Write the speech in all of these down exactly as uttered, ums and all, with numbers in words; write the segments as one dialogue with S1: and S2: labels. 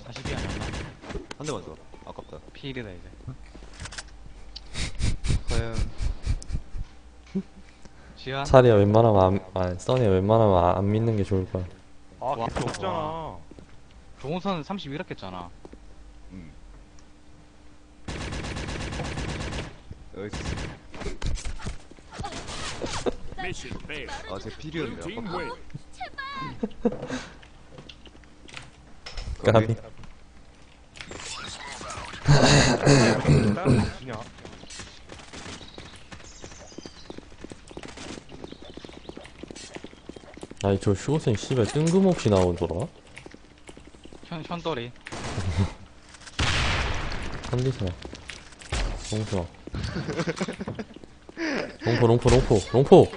S1: 사십이 아니었나?
S2: 한 대만 더. 아깝다.
S1: 피일이다 이제.
S3: 과연
S1: 지하?
S4: 차리야 웬만하면 안, 아 써니야 웬만하면 안, 안 믿는 게 좋을 거야.
S5: 아,
S1: 와,
S5: 개표 없잖아.
S1: 와. 종우선 삼십일 했겠잖아.
S2: 음. 여기
S6: Mission failed.
S2: 아, 제
S6: Blue
S2: 필이었네.
S6: team
S2: 아깝다.
S6: win.
S4: 까비.
S5: 주냐?
S4: 아니 저 슈고생 씨발 뜬금없이 나오더라.
S1: 현, 현돌이.
S4: 컨디션. 롱수아. 롱포 롱포 롱포 롱포.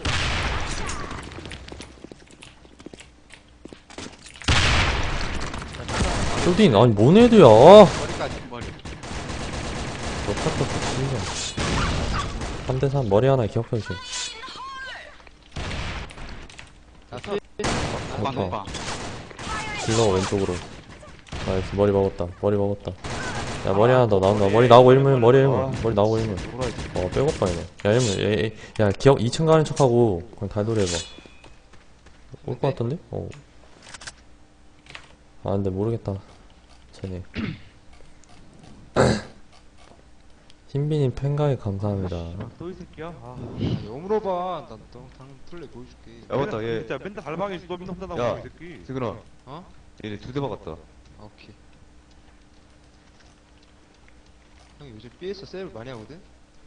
S4: 쇼딘 아니 뭔 애들야.
S3: 머리까지.
S1: 머리.
S4: 너 탔다 진짜. 삼 대 삼 머리 하나에 기억 변신.
S3: 나 서.
S1: 오빠, 오빠.
S4: 질러 왼쪽으로. 나이스 머리 먹었다. 머리 먹었다. 야 머리 하나 더 나온다. 머리 나오고 일문 머리 일문 머리 나오고 일문. 어 빼고빠 이네. 야 일문 야, 야, 야 기억 이 층 가는 척하고 그냥 달돌이 해봐. 올 것 같던데? 어. 아 근데 모르겠다. 쟤네. 신비님 팬가에 감사합니다.
S5: 또 이 새끼야? 아,
S3: 왜 물어봐. 난너 당근 플레이 보여줄게.
S2: 야, 맞다. 얘.
S5: 진짜 맨날 달방에 있어. 너 맨날 혼자
S2: 야.
S5: 나오고 이 새끼.
S2: 세근아.
S3: 어?
S2: 얘네 두 대 박았다.
S3: 아, 오케이. 형이 요즘 삐에서 세이브 많이 하거든?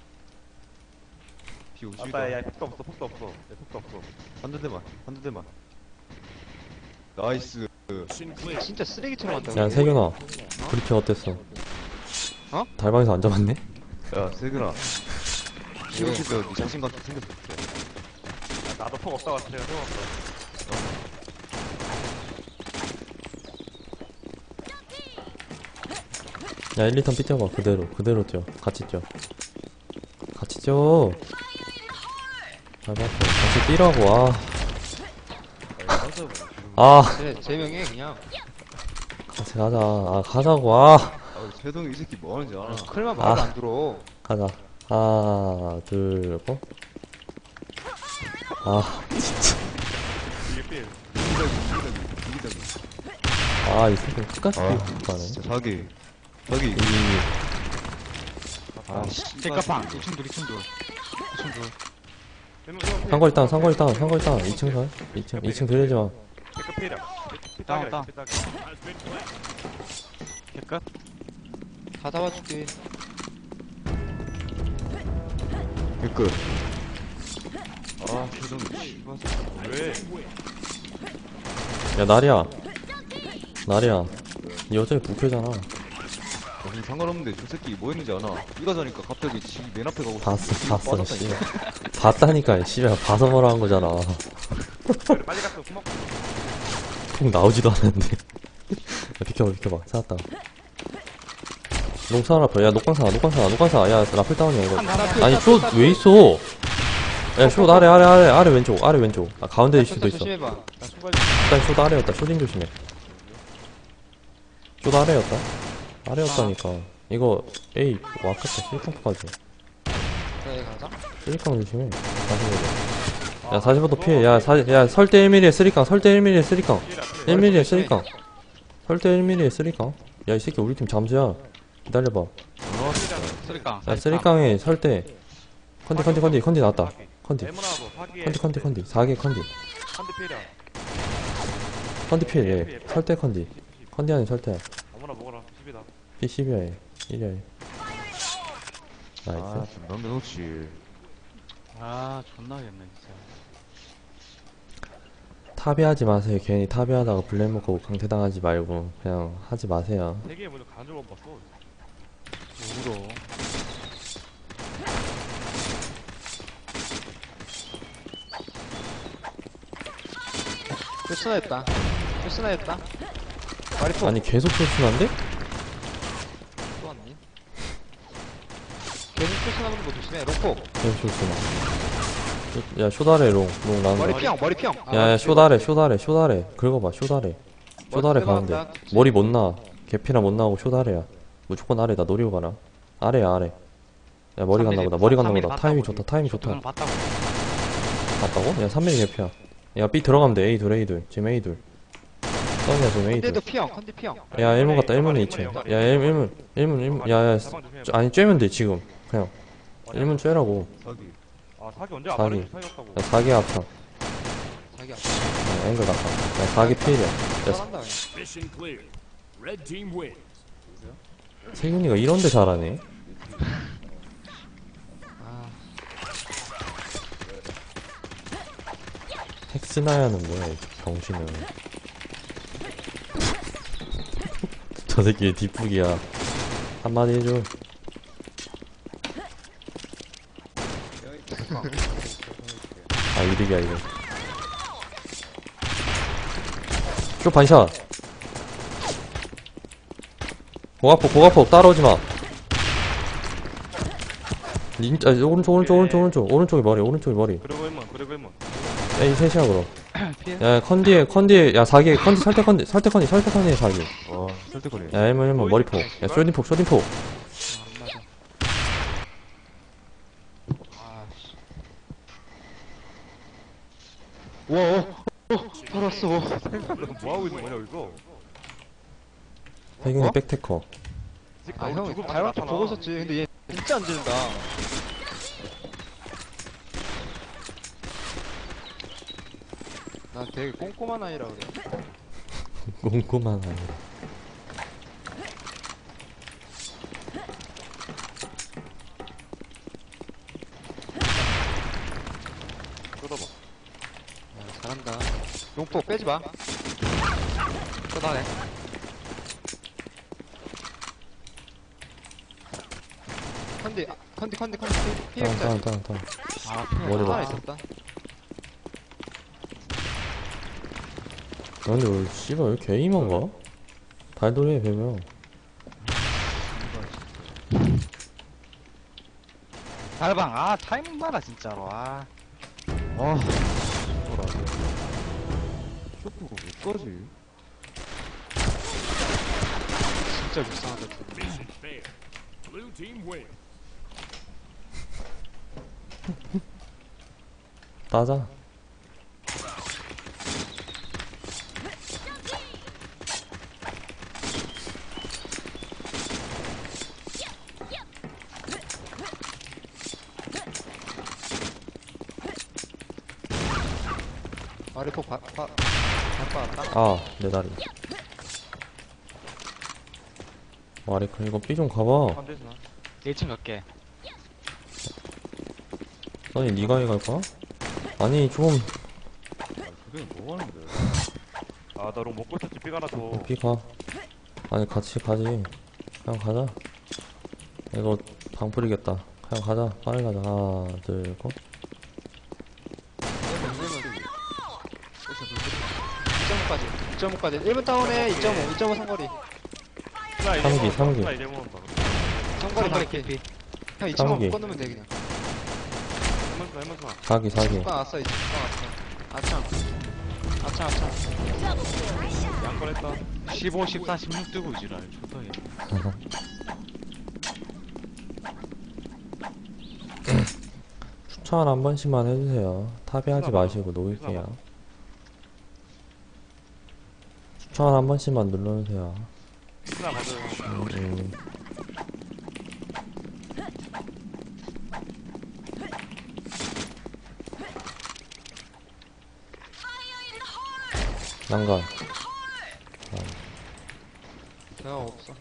S2: 비 오지도
S5: 아따,
S2: 않아.
S5: 야, 폭도 없어, 폭도 없어. 야, 폭도 없어.
S2: 한두 대만. 한두 대만. 나이스.
S6: Mission clear.
S3: 진짜 쓰레기처럼 한다고.
S4: 야 세균아 브리핑 어땠어?
S3: 어?
S4: 달방에서 안 잡았네?
S2: 야, 세근아. 시험실 때네 자신감 좀 생겼어.
S5: 야, 나도 폭 없다고 내가 세웠어.
S4: 야 일, 이 턴 삐 뛰어봐 그대로 그대로 뛰어 같이 뛰어 같이 뛰어 잘 봤어 같이 뛰라고 아 아
S3: 쟤, 쟤 명예 그냥.
S4: 같이 가자 아 가자고 아
S2: 아, 최동이 이 새끼 뭐 하는지 알아.
S3: 클만 말도
S4: 아.
S3: 안 들어.
S4: 가자 하나 둘 고. 아
S5: 이게 필.
S4: 아, 이 새끼 끝까지
S2: 아,
S4: 뛰고 가네.
S2: 진짜 자기. 자기.
S4: 이,
S2: 아, 씨.
S1: 잭카팡. 이 층 둘, 이 층 둘. 이 층 둘.
S4: 상거리 땅, 상거리 땅, 상거리 땅. 이 층 설? 이 층, 이 층 들리지 마.
S5: 체크 필이야.
S1: 다운, 다운.
S5: 피딱이야.
S6: Has been planted.
S1: 개끝.
S3: 다 잡아줄게.
S2: 끝. 아, 최동이. 씨발.
S5: 왜?
S4: 야, 나리야. 나리야. 니 어차피 부캐잖아.
S2: 무슨 상관없는데 저 새끼 뭐 했는지 아나? 이가 자니까 갑자기 지 맨 앞에 가고
S4: 봤어, 봤어,
S2: 빠졌다니까.
S4: 씨. 봤다니까, 씨발. 봐서 뭐라 한 거잖아.
S5: 그래, 빨리 갔어. 고맙고.
S4: 통 나오지도 않았는데. 야, 비켜봐, 비켜봐. 찾았다. 농사 하나 야, 녹광사, 녹광사, 녹광사. 야, 라플 다운이야, 이거. 아니, 쇼, 왜 있어? 야, 쇼 아래, 아래, 아래, 아래 왼쪽, 아래 왼쪽. 아, 가운데일 수도 있어.
S3: 조심해봐. 나 손발
S4: 일단 쇼 아래였다. 쇼딘 조심해. 쇼 아래였다. 아래였다니까. 이거 에이 와카타 실컷까지.
S3: 그래 가자.
S4: 쓰리깡 조심해. 사십오 도. 야 사십오 도 피해. 야, 사, 야 설대 일 밀리미터에 쓰리깡. 설대 일 밀리미터에 쓰리깡. 일 밀리미터에 쓰리깡. 설대 일 밀리미터에 쓰리깡. 야 이 새끼 우리 팀 잠수야. 기다려봐.
S1: 쓰리깡.
S4: 야 쓰리깡에 설대. 컨디 컨디 컨디 컨디 나왔다. 컨디.
S5: 레몬하고 사기에.
S4: 컨디 컨디 컨디. 사 개 컨디.
S5: 컨디 필이야.
S4: 컨디 피해. 얘. 설대 컨디. 컨디 아닌 설대.
S5: 아무나 먹어라. 십이다.
S4: 피 십이야 얘. 일이야 얘. 나이스.
S2: 아, 좀 넘겨놓지.
S1: 아, 존나 겠네 진짜.
S4: 탑이하지 마세요. 괜히 탑이하다가 블랙 먹고 강퇴당하지 말고 그냥 하지 마세요.
S5: 세계에 먼저 가는 줄 못 봤어.
S1: 울어.
S3: 패스나였다. 패스나였다. 말이 또
S4: 아니 계속 표순한데?
S3: 또 왔니? 계속 패스나는 거 조심해. 롱포.
S4: 계속 표순아. 야 쇼다래 롱. 롱 나온다.
S3: 머리 피형. 머리 피형. 아,
S4: 야야 쇼다래 쇼다래 쇼다래. 긁어봐 쇼다래. 쇼다래
S3: 머리
S4: 가는데.
S3: 들어간다.
S4: 머리 못 나. 개피나 못 나오고 쇼 아래야. 무조건 아래다. 노리고 가라. 아래야 아래. 야 머리 갔나 보다. 머리 갔나 보다. 타이밍 좋다. 타이밍 좋다.
S1: 봤다고.
S4: 봤다고? 야 삼 밀리 개피야. 야 B 들어가면 돼. A 둘 A 둘. 지금 A 둘. 썬이야 지금 A 둘.
S3: 컨디도 피형 컨디 피형.
S4: 야 일 문 갔다. 일 문에 이 층. 야 일 문 일 문 일 문. 야야 아니 쬐면 돼 지금. 그냥 일 문 쬐라고.
S2: 사기.
S5: 아 사기 언제 안
S4: 사기.
S5: 말해줄 사이였다고.
S4: 야 사기 합창.
S3: 자기야.
S4: 야, 앵글 갔다. 야 사기 필이야. 야
S3: 잘한다.
S6: Mission clear. Red team wins.
S4: 세균이가 이런데 잘하네.
S3: 아,
S4: 헥스나야는 뭐야 이 병신은. 저 새끼 뒷북이야. 한마디 해줘. 아 이득이야 이거. 쇼 반샷. 고가폭 고가폭 따라오지마. 진짜 오른쪽 오른쪽 오른쪽 오른쪽 오른쪽에 머리 오른쪽에 머리.
S5: 그리고 일문 그리고 일문.
S4: 야 이 셋이야 그럼. 야 컨디에 컨디에 야 사기 컨디 설대 컨디 설대 컨디 설대 컨디 사기.
S2: 와, 설득거리.
S4: 야 일문 일문 머리폭. 야 쇼딩폭 쇼딩폭.
S3: 아, 씨. 우와, 어, 살았어.
S5: 뭐 하고 있는 거냐 여기서?
S4: 세균이
S3: 어?
S4: 백테커.
S3: 아, 형, 발만 좀 보고 있었지. 근데 얘 진짜 안 지른다. 난 되게 꼼꼼한 아이라 그래.
S4: 꼼꼼한 아이.
S5: 뜯어봐.
S3: 야, 잘한다. 용폭 빼지 마. 쏟아내. 컨디, 아, 컨디, 컨디, 컨디,
S4: 다운
S3: 피해자.
S4: 다운 다운 다운.
S3: 아,
S4: 머리 봐.
S3: 하나 있었다.
S4: 야, 근데 왜 씨발 왜 개이만가? 달돌이해 배명.
S1: 달방, 아, 타이밍 봐라, 진짜로. 아,
S2: 아, 뭐라. 쇼프가 왜 까지?
S3: 진짜 불쌍하다.
S6: Mission failed. Blue team wins.
S4: 따자.
S3: 마리폭 바, 바, 바빠왔다.
S4: 아, 내 다리. 마리클 이거 B 좀 가봐.
S5: 안 되지나?
S1: 일 층 갈게.
S4: 아니 니가 해 갈까? 아니 좀
S2: 그게 뭐 하는데?
S5: 아나롱 먹고 있었지 삐가 하나 더.
S4: B 가. 아니 같이 가지. 그냥 가자. 이거 방 뿌리겠다. 그냥 가자. 빨리 가자. 하나, 둘, 셋.
S3: 이 점 오까지. 이 점 오까지. 일 분 다운에 이 점 오. 이 점 오 상거리.
S5: 스나 이제
S4: 삼기,
S5: 먹었다.
S4: 삼기.
S5: 스나 이제 먹었다.
S3: 상거리 밝게. 형 이 점 오
S4: 삼기.
S3: 묶어놓으면 돼 그냥.
S5: 해먼 스나 해먼 스나.
S4: 사기 사기.
S3: 묶어 놨어 이제. 묶어 놨어. 아창. 아창 아창.
S5: 양건 했다.
S1: 십오, 십사, 십육 뜨고 지랄. 초더해.
S4: 추천 한 번씩만 해주세요. 탑에 하지 마시고 놓을게요. 추천 한 번씩만 눌러주세요.
S5: 스나 가져.
S4: 음, 음. 난간.
S3: 대화 없어.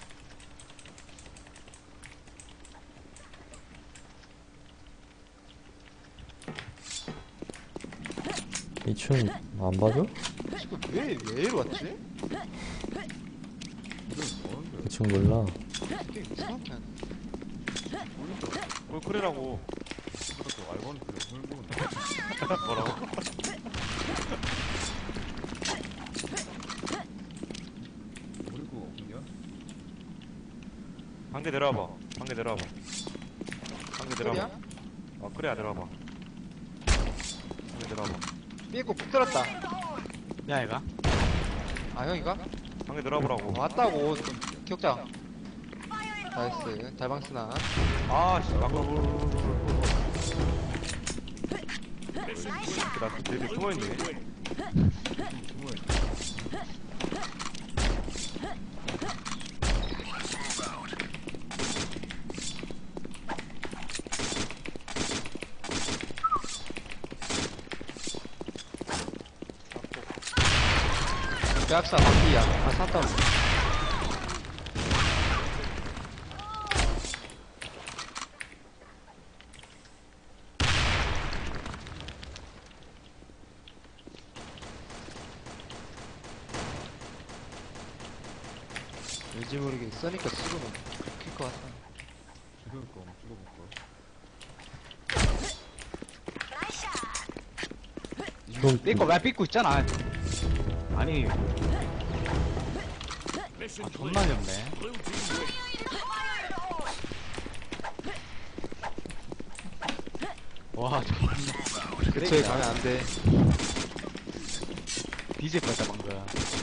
S4: 이 층 안 봐줘?
S3: 지금 왜, 왜 이리 왔지?
S4: 이 층 몰라.
S3: 되게 이상하게 하네.
S5: 꿀꿀이라고.
S2: 그것도 알고는 그래. hul보는
S5: 뭐라고?
S2: 그리고 그냥
S5: 방대 내려와봐. 방대 내려와봐. 방대 내려와봐.
S3: 소리야?
S5: 어 그래야 내려와봐. 방대 내려와봐.
S3: 삐고 푹 들었다.
S1: 야, 얘가?
S3: 아 형이가?
S5: 방에 들어보라고.
S3: 왔다고. 좀 기억자. 나이스. 달방스나.
S5: 아씨 아까 나 되게 숨어있네.
S3: 대학사 바퀴야. 아, 샀다. 왠지 모르게 써니까 찍으면 클 것 같아.
S2: 그러니까 한번 찍어볼까?
S1: 삐꼬 왜 삐꼬 있잖아. 아니
S6: Mission
S1: 아, 존나
S6: clear.
S1: 어렵네.
S6: Blue team wins.
S1: 와
S3: 그쪽에 가면 안 돼.
S1: 뒤질 뻔했다 방금.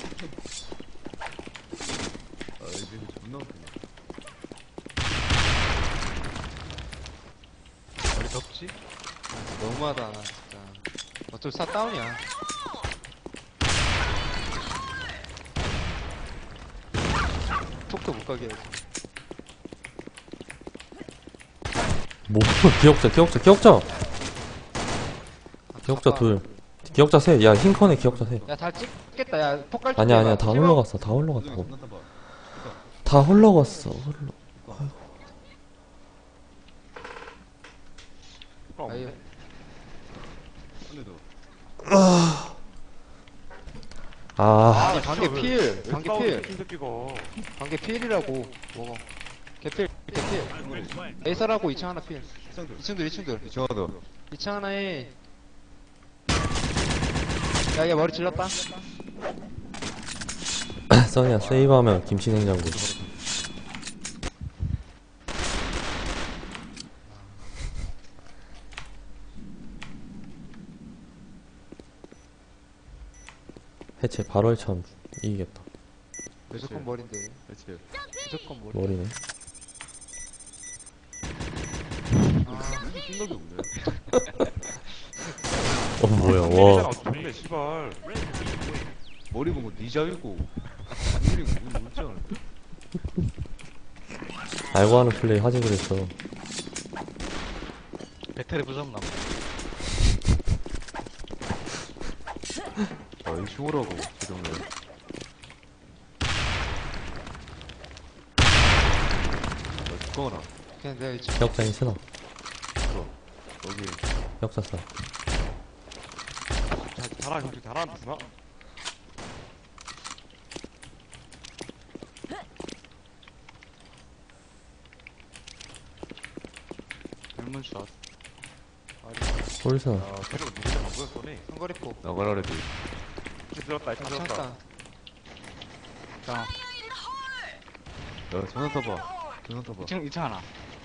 S2: 아 이제 존나 웃기네.
S1: 머리 덥지?
S3: 너무하다, 나 진짜. 어차피 사 다운이야. 톡도 못 가게 해야지.
S4: 뭐 기억자 기억자 기억자 기억자 둘 기억자 셋야 흰컨에 기억자 셋
S3: 야, 다 찍겠다. 야, 폭갈
S4: 아니야 아니야 다 흘러갔어 다
S2: 나중에
S4: 흘러갔다고
S2: 존나 타봐.
S4: 다 흘러갔어 흘러
S3: 아유,
S2: 근데도
S4: 아
S3: 아, 관계 필. 관계 필.
S5: 이 새끼가.
S3: 관계 필이라고. 먹어. 개필, 개필.
S6: Red flag.
S3: 에이설하고 이 층 하나 필.
S2: 시상들.
S3: 이 층들, 이 층들.
S2: 정하다.
S3: 이 층 하나에. 야, 얘 머리 질렀다.
S4: 써니야 세이브하면 김치 냉장고 해체 바로 해참 이기겠다
S3: 무조건 머리인데.
S2: 그렇지.
S3: 무조건 머리.
S4: 머리네
S3: 아,
S2: 생각이 없네.
S4: 어 뭐야
S5: 와.
S4: 와
S5: 좋네 씨발.
S2: 머리 본거 니자이고. 이름이 뭔지 모르지 않아.
S4: 알고 하는 플레이 하지 그랬어
S1: 배터리 부셨나 봐.
S2: 아 이 흉오라고 지금은. 아 죽거나.
S3: 그냥 내가 이 층.
S4: 기억자인 스나
S2: 여기
S4: 기억자 쏴
S5: 잘 잘하 형식 잘하는 누나.
S1: 젊은 샷.
S4: 홀스나
S5: 아 계속 누구한테 안 보였더니.
S3: 한거리포.
S2: 나가라 그래도.
S5: 이제 들었다 이제
S3: 아,
S5: 들었다.
S3: 참다.
S1: 자
S2: 야 전화 타봐. 전화 타봐.
S1: 이 층 이 층 하나.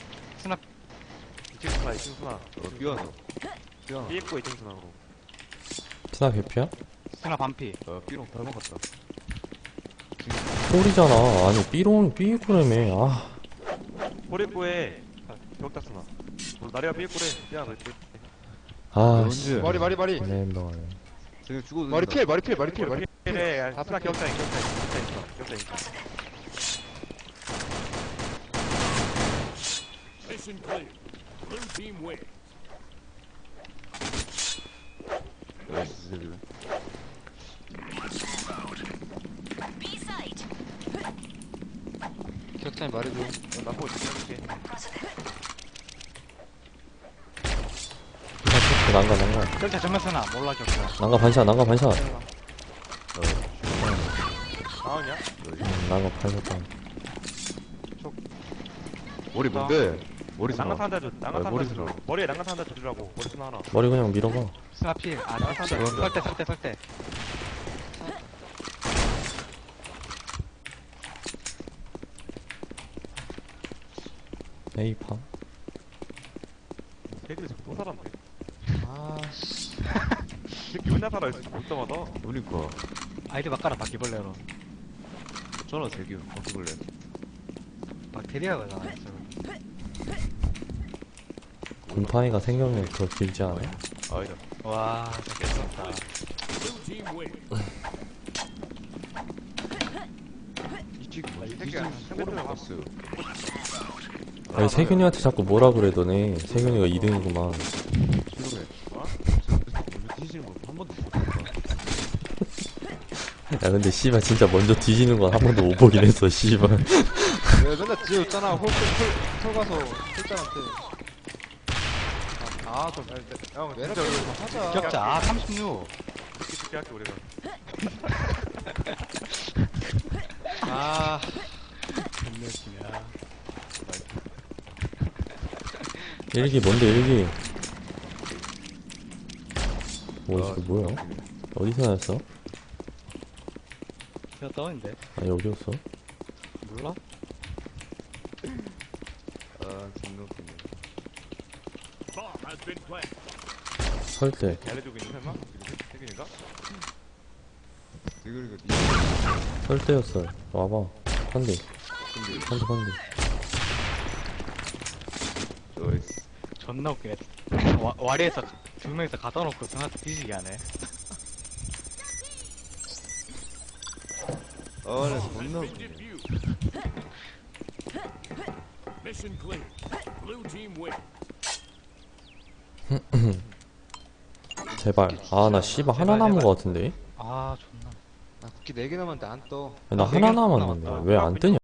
S5: 이층 수나 이층 수나.
S2: 어 삐하나. 삐하나.
S5: 삐입고 이층 수나로.
S4: 스나 개피야?
S1: 스나 반피.
S2: 야 삐롱 닮아갔다.
S4: 홀이잖아 아니 삐롱 삐꾸라며 아
S5: 호리꼬에 벽다 수나. 나리가 삐입고래. 야 너.
S4: 아,
S2: 언제?
S4: 씨.
S3: 머리, 머리, 머리.
S4: 애매한다.
S2: 쟤네 죽어도
S3: 머리
S2: 된다.
S3: 필, 머리 필, 머리 필, 머리 필.
S5: 그래.
S3: 다
S5: 수나
S3: 필.
S5: 격자인 격자인 격자인 격자인 격자인.
S6: Mission clear. Blue team wins.
S2: 나이스.
S3: 기억자인 말해줘.
S5: 나보고 지켜줄게.
S4: 난가, 난가.
S1: 격자 정면 스나 몰라 격자.
S4: 난가 반샷, 난가 반샷.
S5: 나왔냐?
S4: 음, 난가 반샷.
S2: 머리 뭔데? 머리
S5: 난간
S2: 스나.
S5: 탄다 줘. 난간
S2: 아,
S5: 탄다
S2: 머리
S5: 줘.
S2: 스나.
S5: 머리에 난간 탄다 줘주라고. 머리 스나 하나.
S4: 머리 그냥 밀어봐.
S1: 스나 필. 아
S5: 나
S1: 격자.
S5: 산다.
S1: 설대 설대 설대.
S4: 에이파.
S5: 걔들이 지금 또 살았네.
S3: 아, 씨.
S5: 새끼 맨날 살아있어. 볼 때마다.
S2: 그러니까.
S1: 아이디 바꿔라 바퀴벌레로.
S2: 없잖아 세규 바퀴벌레.
S1: 박테리아가 나왔어.
S4: 곰팡이가 생명력이 더 길지 않아?
S2: 아니다.
S1: 와, 잡혔다.
S6: Blue team wins.
S2: 이찍 뭐지?
S5: 새끼야,
S2: 디즈니 소름 갔어.
S4: 아니 세균이한테 자꾸 뭐라 그래 너네. 세균이가 이 등이구만.
S2: 싫어해. 어? 먼저 뒤지는 거 한 번도 못 봤다.
S4: 야 근데 씨발 진짜 먼저 뒤지는 건 한 번도 못 보긴 했어 씨발.
S1: 내가 맨날 뒤졌잖아. 홀, 홀, 홀 가서 홀장한테.
S5: 아, 좀, 형,
S1: 왜
S5: 진짜
S1: 이렇게
S5: 우리
S1: 하자.
S3: 격자 아 삼십육.
S5: 듣기 듣기 할게, 우리가.
S3: 아 존나
S4: 일기 뭔데 일기? 뭐 이거 뭐야? 어디서 나왔어?
S3: 웃기야. 떠인데
S4: 아니 어디였어?
S3: 몰라?
S2: 아 존나 웃기네.
S6: Bomb has been planted.
S4: 설대.
S5: 알려주고 있는 설마? 세균인가?
S2: 세균이가 니
S4: 설대였어. 와봐. 한대.
S2: 근데
S4: 한대 한대.
S2: 저이스.
S3: 존나 웃기네. 와, 와리에서 두 명이서 갖다 놓고 승한테 뒤지게 하네.
S2: 아, 나
S6: Bomb
S2: 존나
S6: has been
S2: 웃기네.
S6: defused. Mission clear. Blue team wins.
S4: 제발. 아 나 씨발 하나 남은 거 같은데?
S3: 아 존나.
S1: 나 국기 네 개 남았는데 안 떠.
S4: 나 하나 남았는데 왜 안 뜨냐?